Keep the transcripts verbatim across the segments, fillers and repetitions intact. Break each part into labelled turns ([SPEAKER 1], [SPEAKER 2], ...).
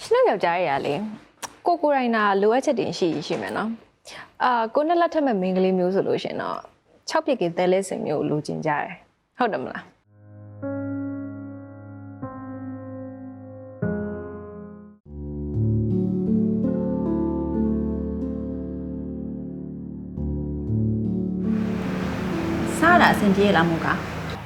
[SPEAKER 1] ရှင်တို့ယောက်ျားရရလေကိုကိုရိုင်းနာလိုအပ်ချက်တင်ရှိရှိမယ်နော်အာကိုနဲ့လက်ထက်မဲ့မိန်းကလေးမျိုးဆိုလို့ရှင်တော့၆ပြစ်ကသဲလဲစင်မျိုးလိုချင်ကြတယ်ဟုတ်တယ်မလား
[SPEAKER 2] စားတာအဆင်ပြေလားမို့က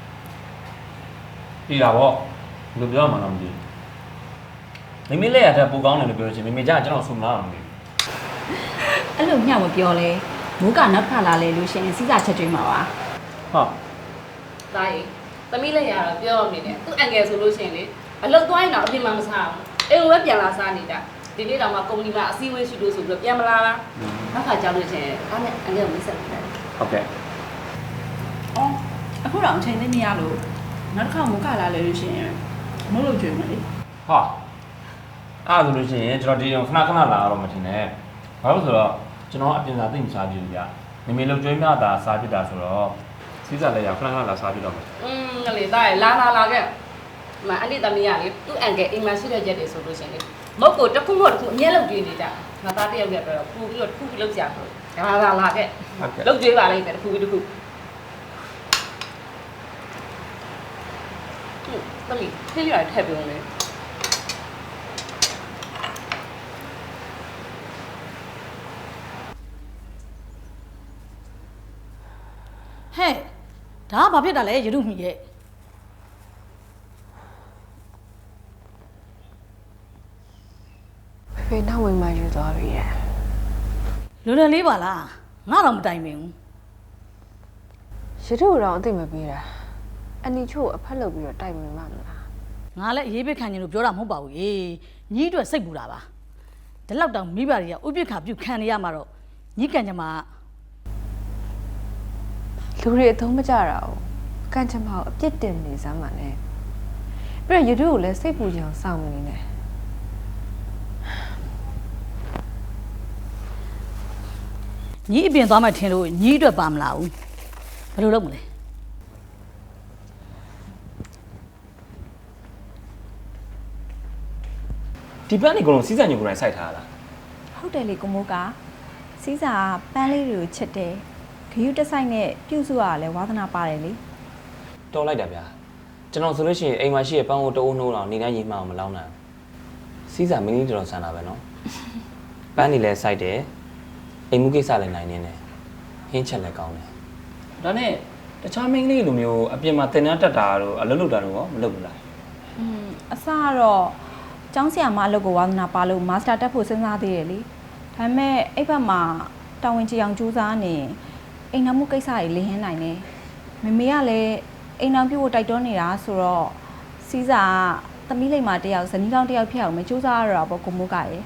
[SPEAKER 3] ပြေတာပေါ့ဘယ်လိုပြောမှတော့မသိဘူးမိမိလက်ရတဲ့ပူကောင်းတယ်လို့ပြောချင်မိမိကြကျွန်တော်ဆုမလားမသိဘူး
[SPEAKER 2] အဲ့လိုညမပြောလဲမိုးကနောက်ခါလာလဲလို့ရှင်စီးစာချက်တွေမှာပါ
[SPEAKER 3] ဟုတ်
[SPEAKER 4] ဒါရီသမီးလက်ရတော့ပြောနေတယ်သူ့အန်ကယ်ဆိုလို့ရှိရင်လေအလုပ်သွားရင်တော့အပြင်မှာမစားဘူးအိမ်ကိုပဲပြန်လာစားနေတာဒီနေ့တော့မှကုမ္ပဏီမှာအစည်းအဝေးရှိလို့ဆိုပြီးတော့ပြန်မလာလားနောက်ခါကြောက်လို့ရှိရင်အားနဲ့အန်ကယ်ကိုမိတ်ဆက်တယ်
[SPEAKER 3] ဟုတ်ကဲ့
[SPEAKER 2] အော်အခုတော့အချိန်သိမရလို့နောက်တစ်ခါမိုးကလာလဲလို့ရှင်မဟုတ်လို့ကြွေမလေး
[SPEAKER 3] ဟာအဲ့ဆိုလို့ရှိရင်ကျွန်တော်ဒီအောင်ခဏခဏလာတော့မထင်နဲ့ဘာလို့ဆိုတော့ကျွန်တော်အပြင်စာသိမစားကြည့်ဘူးဗျမိမိလုံကျွေးမြတာစားပြတာဆိုတော့စီးစားလက်ရခဏခဏလာစားပြတော့မယ်
[SPEAKER 4] อืมကလေးသားရလာလာလာခဲ့မအန်တီသမီးရလေသူ့အန်ကယ်အိမ်မှာရှိတဲ့ရက်တွေဆိုလို့ရှိရင်လေမဟုတ်ကိုတစ်ခုမဟုတ်တစ်ခုအမြဲလုပ်ကြည့်နေကြငါသားတယောက်ရက်တော့ပူပြီးတော့တစ်ခုပြီးလုပ်ကြဆိုလာလာလာခဲ့လုပ်ကြည့်ပါလိမ့်မယ်တစ်ခုပြီးတစ်ခုသမီးခင်းရထည့်ပြုံးလေ
[SPEAKER 5] ဟဲ့ဒါကဘာဖြစ်တာလဲရတုမီရဲ့
[SPEAKER 1] ဖေနောက်ဝင်မှယူသွားပြီရဲ့
[SPEAKER 5] လွယ်လွယ်လေးပါလားငါတော့မတိုင်ပင်ဘူး
[SPEAKER 1] ရတုတော့အသိမပေးတာအနီချို့အဖက်လုပ်ပြီးတော့တိုက်မိမှမလား
[SPEAKER 5] ငါလည်းအရေးပိတ်ခံနေလို့ပြောတာမဟုတ်ပါဘူးရေညီအတွက်စိတ်ပူတာပါဒီလောက်တောင်မိဘတွေကဥပိ္ပခါပြုခံနေရမှာတော့ညီကံကြမှာ
[SPEAKER 1] လူတွေအသုံးမကြတာ哦ကံချမောက်အပြစ်တင်နေစမ်းပါနဲ့ပြီးတော့ရတုကိုလည်းစိတ်ပူကြအောင်စောင့်နေနေ
[SPEAKER 5] ညီအပြင်သွားမှထင်လို့ညီအတွက်ပါမလားဘူးဘယ်လိုလုပ်မလဲ
[SPEAKER 3] ဒီပန်းနေကတော့စီးစာညိုကိုယ်တိုင်စိုက်ထားတာ
[SPEAKER 2] ဟုတ်တယ်လေကိုမိုးကစီးစာပန်းလေးတွေကိုချစ်တယ်ဂယုတက်ဆိုင်နဲ့ပြုစုရလဲဝါသနာပါတယ်လေ
[SPEAKER 3] တော်လိုက်တာဗျာကျွန်တော်ဆိုလို့ရှိရင်အိမ်မှာရှိတဲ့ပန်းကိုတအိုးနှိုးတော့နေတိုင်းရေမှအောင်မလောင်းနိုင်စီးစာမင်းကြီးတော်ဆန်တာပဲနော်ပန်းနေလဲစိုက်တယ်အိမ်မှုကိစ္စလည်းနိုင်နေတယ်ဟင်းချက်လည်းကောင်းတယ်ဒါနဲ့တခြားမင်းလေးလိုမျိုးအပြင်မှာတင်တန်းတက်တာတို့အလုပ်လုပ်တာတို့ရောမလုပ်ဘူးလား
[SPEAKER 2] อืมအစကတော့ကျောင်းဆရာမအလုပ်ကိုဝါသနာပါလို့မာစတာတက်ဖို့စဉ်းစားသေးတယ်လေဒါပေမဲ့အဲ့ဘက်မှာတာဝန်ကြီးအောင်ကြိုးစားနေအိမ်နောက်မှုကိစ္စတွေလင်းဟင်းနိုင်နေမမေကလည်းအိမ်နောက်ပြုတ်ဖို့တိုက်တွန်းနေတာဆိုတော့စီးစာကသမီးလိမ္မာတယောက်ဇနီးကောင်းတယောက်ဖြစ်အောင်မကြိုးစားရတော့ပေါ့ကိုမိုးကရဲ့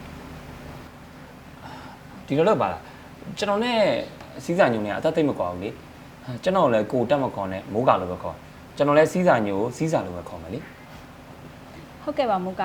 [SPEAKER 3] ဒီလိုလုပ်ပါလားကျွန်တော်နဲ့စီးစာညိုနေအသက်သိမ့်မကွာဘူးလေကျွန်တော်လည်းကိုတက်မကွန်နဲ့မိုးကလိုပဲခေါ်ကျွန်တော်လည်းစီးစာညိုစီးစာလိုပဲခေါ်မယ်လေ
[SPEAKER 2] ဟုတ်ကဲ့ပါမိုးက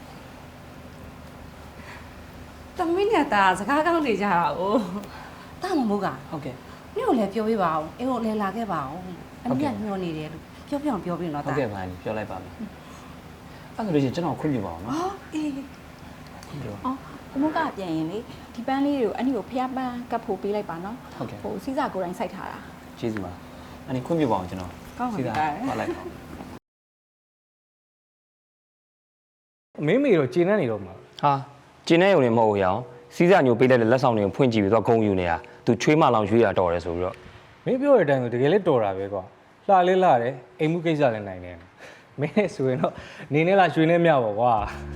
[SPEAKER 4] သမီးနဲ့တာစကားကောင်းနေကြတာ哦တာမမိုးက
[SPEAKER 3] ဟုတ်ကဲ့
[SPEAKER 4] နေ့ကိုလည်းပြောပြပါအောင်အိမ်ကိုလည်းလာခဲ့ပါအောင်အမေကညှော်နေတယ်လို့ပြောပြအောင်ပြောပြတော့တာ
[SPEAKER 3] ဟုတ်ကဲ့ပါပြောလိုက်ပါမယ်အဲ့ဒါလို့ရှိရင်ကျွန်တော်ခွင့်ပြုပါအောင်နော်
[SPEAKER 2] ဟောအေးအော်ကိုမိုးကပြန်ရင်လေဒီပန်းလေးတွေကိုအနည်းကိုဖျားပန်းကပ်ဖို့ပေးလိုက်ပါနော်
[SPEAKER 3] ဟုတ်ကဲ့
[SPEAKER 2] ဟိုစီးစာကိုယ်တိုင်စိုက်ထားတာ
[SPEAKER 3] ကျေးဇူးပါအဲ့ဒီခွင့်ပြုပါအောင်ကျွန်တော်
[SPEAKER 2] ကောင်းပါပြီ
[SPEAKER 3] ပါလိုက်ပါ
[SPEAKER 6] မင်းမေတော့ကျင်းနေနေတော့မှာ
[SPEAKER 3] ဟာကျင်းနေရုံနဲ့မဟုတ်ဘူးရအောင်စီးစာညိုပေးလိုက်တဲ့လက်ဆောင်တွေကိုဖွင့်ကြည့်ပြီးတော့ဂုံယူနေတာသူချွေးမလောင်ရွှေးရတော်တယ်ဆိုပြီးတော့
[SPEAKER 6] မင်းပြောတဲ့အတိုင်းဆိုတကယ်လေးတော်တာပဲကွာလှလေးလှတယ်အိမ်မှုကိစ္စလည်းနိုင်တယ်မင်းဆိုရင်တော့နေနဲ့လားရွှေနဲ့မြပါကွာ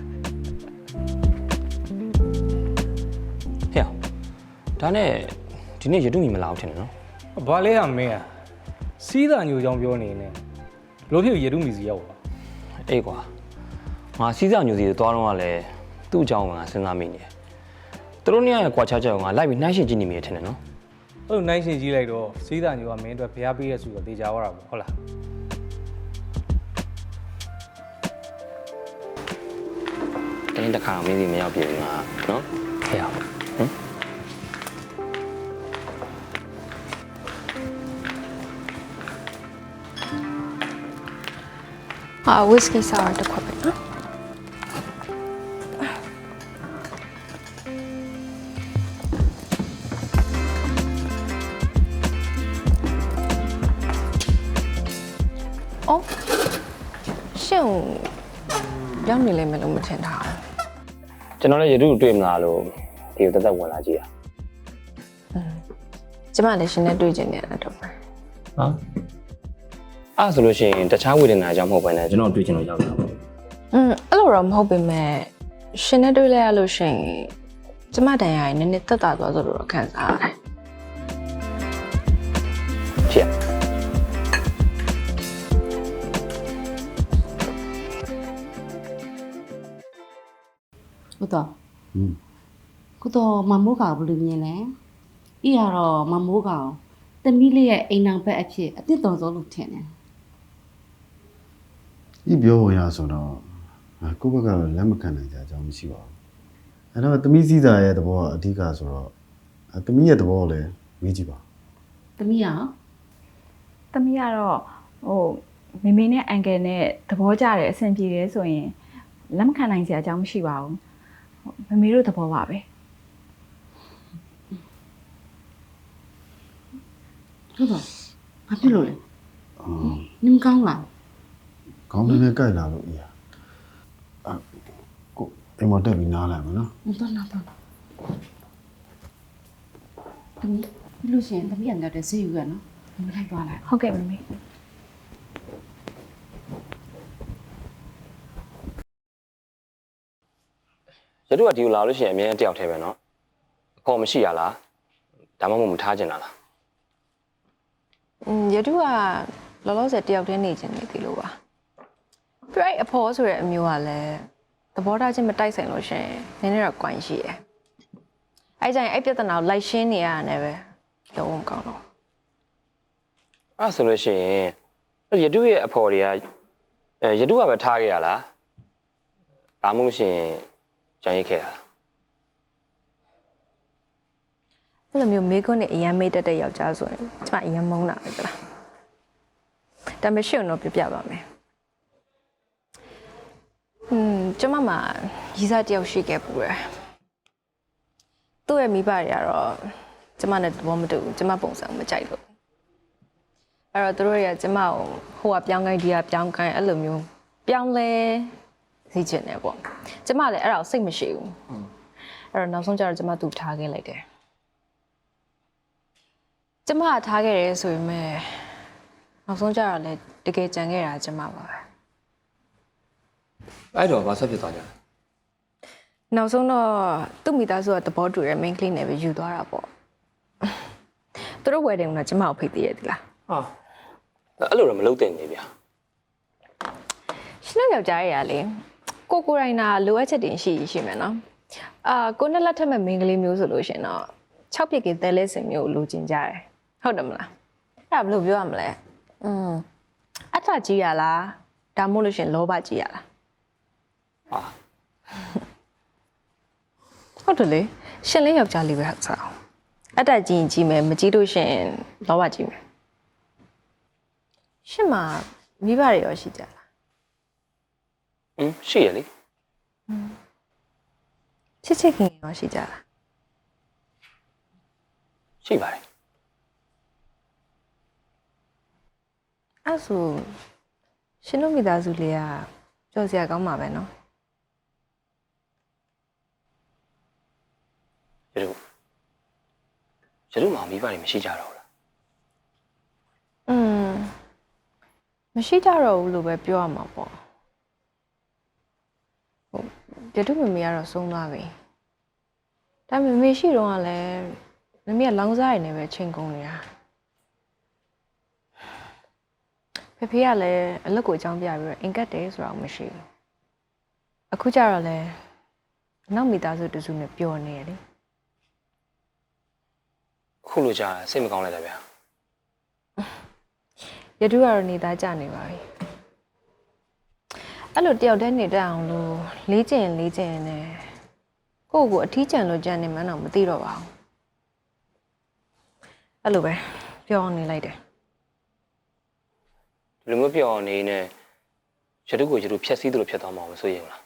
[SPEAKER 3] ဟဲ့ဒါနဲ့ဒီနေ့ရတုမီမလာအောင်ထင်တယ်နော်
[SPEAKER 6] ဘာလဲဟာမင်းอ่ะစီးစာညိုကြောင်ပြောနေနေဘလို့ဖြစ်ရတုမီစီရောက်ပါ
[SPEAKER 3] အေးကွာငါစီးစာညိုစီကိုသွားတော့ကလည်းသူ့အကြောင်းကငါစဉ်းစားမိနေတယ်သူတို့เนี่ยကွာခြားချက်ကိုငါလိုက်ပြီးနှိုင်းရှင်းကြည့်နေမိတယ်ထင်တယ်နော်
[SPEAKER 6] အဲ့လိုနှိုင်းရှင်းကြည့်လိုက်တော့စီးစာညိုကမင်းအတွက်ဖျားပေးရဆိုတော့တေချာသွားတာပေါ့ဟုတ်လား
[SPEAKER 3] တင်းတစ်ခါမင်းစီမရောက်ပြေဘူးငါနော်ဟဲ့အောင်ဟမ်
[SPEAKER 1] ဟာဝစ်ကီဆာတစ်ခွက်ပဲနော်ရောက်နေလိမ့်မယ်လို့မထင်ထားဘူး
[SPEAKER 3] ကျွန်တော်လည်းရတုတွေ့မလားလို့ဒီကိုတက်တက်ဝင်လာကြည့်ရ
[SPEAKER 1] ကျမလည်းရှင်နဲ့တွေ့ကျင်နေတာတော့ပဲ
[SPEAKER 3] ဟာအဲ့ဆိုလို့ရှိရင်တခြားဝေဒနာကြောင့်မဟုတ်ဘဲနဲ့ကျွန်တော်တွေ့ချင်လို့ရောက်လာပါဘူး
[SPEAKER 1] อืมအဲ့လိုတော့မဟုတ်ပေမဲ့ရှင်နဲ့တွေ့လဲရလို့ရှိရင်ကျမတန်ရရင်နည်းနည်းတက်တာသွားဆိုတော့ခံစားရတယ်
[SPEAKER 3] ဖြစ်
[SPEAKER 7] ဟုတ်တော့ကိုတော့မမိုးကောင်ဘယ်လိုမြင်လဲဤရတော့မမိုးကောင်တမီးလေးရဲ့အိမ်နောက်ဘက်အဖြစ်အစ်တော်ဆုံးလို့ထင်တယ်
[SPEAKER 8] ဒီပြောဝင်ရဆိုတော့ကိုယ့်ဘက်ကတော့လက်မခံနိုင်ကြအကြောင်းမရှိပါဘူးအဲ့တော့သမီးစည်းစာရဲ့သဘောကအဓိကဆိုတော့သမီးရဲ့သဘောကိုလည်းမေးကြည့်ပါ
[SPEAKER 7] တမီးရော
[SPEAKER 2] သမီးကတော့ဟိုမေမေနဲ့အန်ကယ်နဲ့သဘောကျတယ်အဆင်ပြေတယ်ဆိုရင်လက်မခံနိုင်စရာအကြောင်းမရှိပါဘူးမမေတို့သဘောပါပဲ
[SPEAKER 7] ဟုတ်တော့ဘာဖြစ်လို့လဲ
[SPEAKER 8] အော်
[SPEAKER 7] နင်ကောင်းလား
[SPEAKER 8] ခေါင်းထဲနဲ့ကြိုက်လာလို့အရာအကိုအိမ်မတက်ပြီးနားလိုက်မယ်နော်
[SPEAKER 7] မတော်တော့တော့တမီးဘလို့ရှင်တမီးအန်တဲ့ဈေးယူရနော်မလိုက်သွားလိုက်
[SPEAKER 2] ဟုတ်ကဲ့မမေ
[SPEAKER 3] ရတုကဒီကိုလာလို့ရှိရင်အမြဲတယောက်တည်းပဲเนาะအခေါ်မရှိရလားဒါမှမဟုတ်မထားချင်တာလား
[SPEAKER 1] อืมရတုကလောလောဆယ်တယောက်တည်းနေချင်နေသေးလို့ပါပြိုက်အဖော်ဆိုတဲ့အမျိုးကလည်းသဘောထားချင်းမတိုက်ဆိုင်လို့ရှရင်နည်းနည်းတော့ကွိုင်းရှိတယ်အဲ့ကြရင်အဲ့ပြဿနာကိုလိုက်ရှင်းနေရတယ်ပဲလုံးဝမကောင်းတော့
[SPEAKER 3] အဲ့ဆိုလို့ရှိရင်ရတုရဲ့အဖော်တွေကအဲရတုကပဲထားခဲ့ရလားဒါမှမဟုတ်ရှင်ကြံရိတ်ခဲ့တာလား
[SPEAKER 1] အဲ့လိုမျိုးမေခွန်းနဲ့အရန်မေးတတ်တဲ့ယောက်ျားဆိုရင်ကျမအရန်မုန်းတာပဲကြလားဒါပေမဲ့ရှင်းတော့ပြပြပါမယ်อืมကျမမှာရီးစားတယောက်ရှိခဲ့ပူတယ်သူ့ရဲ့မိဘတွေကတော့ကျမနဲ့သဘောမတူဘူးကျမပုံစံမကြိုက်လို့အဲ့တော့သူတို့တွေကကျမကိုဟိုကပြောင်းခိုင်းဒီကပြောင်းခိုင်းအဲ့လိုမျိုးပြောင်းလဲစီချင်တယ်ပေါ့ကျမလည်းအဲ့ဒါကိုစိတ်မရှိဘူးအဲ့တော့နောက်ဆုံးကျတော့ကျမသူ့ထားခဲ့လိုက်တယ်ကျမထားခဲ့တယ်ဆိုပေမဲ့နောက်ဆုံးကျတော့လည်းတကယ်ကြံခဲ့တာကျမပါပဲ
[SPEAKER 3] အဲ့တော့ဘာဆက်ဖြစ်သွားကြလဲ
[SPEAKER 1] နောက်ဆုံးတော့သူ့မိသားစုကသဘောတူတဲ့ main clean နဲ့ပဲယူသွားတာပေါ့သူတို့ wedding ကကျမကိုဖိတ်သေးရသလား
[SPEAKER 3] ဟာအဲ့လိုတော့မလုပ်တဲ့နေဗျာ
[SPEAKER 1] ရှင်တို့ယောက်ျားတွေကလေကိုကိုရိုင်းနာလိုအပ်ချက်တင်ရှိရှိမယ်နော်အာကိုနဲ့လက်ထက်မဲ့ main ကလေးမျိုးဆိုလို့ရှင်တော့၆ပြစ်ကသဲလဲစင်မျိုးလိုချင်ကြတယ်ဟုတ်တယ်မလားအဲ့ဒါဘယ်လိုပြောရမလဲอืมအထကြီးရလားဒါမှမဟုတ်လို့ရှင်လောဘကြီးရလား
[SPEAKER 3] ဟာ
[SPEAKER 1] ဟုတ်တယ်လေရှင်လေးယောက်ျားလေးပဲဟုတ်စားအောင်အတက်ကြီးရင်ကြီးမယ်မကြီးလို့ရှင်လောဘကြီးမယ်ရှင်မမိဘတွေရောရှိကြလား
[SPEAKER 3] ဟင်းရှိရလေ
[SPEAKER 1] ချစ်ချစ်ခင်ခင်ရောရှိကြလား
[SPEAKER 3] ရှိပါတယ်
[SPEAKER 1] အဲ့ဆိုရှင်တို့မိသားစုလေးကကြောက်စရာကောင်းမှာပဲနော်
[SPEAKER 3] ရတုရတုမှာမိဘတွေမရှိကြတော့ဘူးလား
[SPEAKER 1] อืมမရှိကြတော့ဘူးလို့ပဲပြောရမှာပေါ့ဟုတ်ပြတုမမေကတော့ဆုံးသွားပြီဒါပေမဲ့မေရှိတော့ကလည်းမမေကလောင်းစားရနေပဲချိန်ကုန်နေတာဖေဖေကလည်းအလုပ်ကိုအကြောင်းပြပြီးတော့အင်ကတ်တယ်ဆိုတာမရှိဘူးအခုကျတော့လဲနောက်မိသားစုတစုနဲ့ပျော်နေရလေ
[SPEAKER 3] ခုလိုကြာစိတ်မကောင်းလိုက်တာဗျာ
[SPEAKER 1] ရတုကတော့နေသားကြနေပါပြီအဲ့လိုတယောက်တည်းနေတတ်အောင်လို့လေးကျင်လေးကျင်နေကိုယ့်ကိုအထီးကျန်လို့ကြံနေမှန်းတော့မသိတော့ပါဘူးအဲ့လိုပဲပြောနေလိုက်တယ်
[SPEAKER 3] ဒီလိုမျိုးပြောနေနေရတုကိုရတုဖြက်စီးသလိုဖြတ်သွားမှာမဆိုရင်လား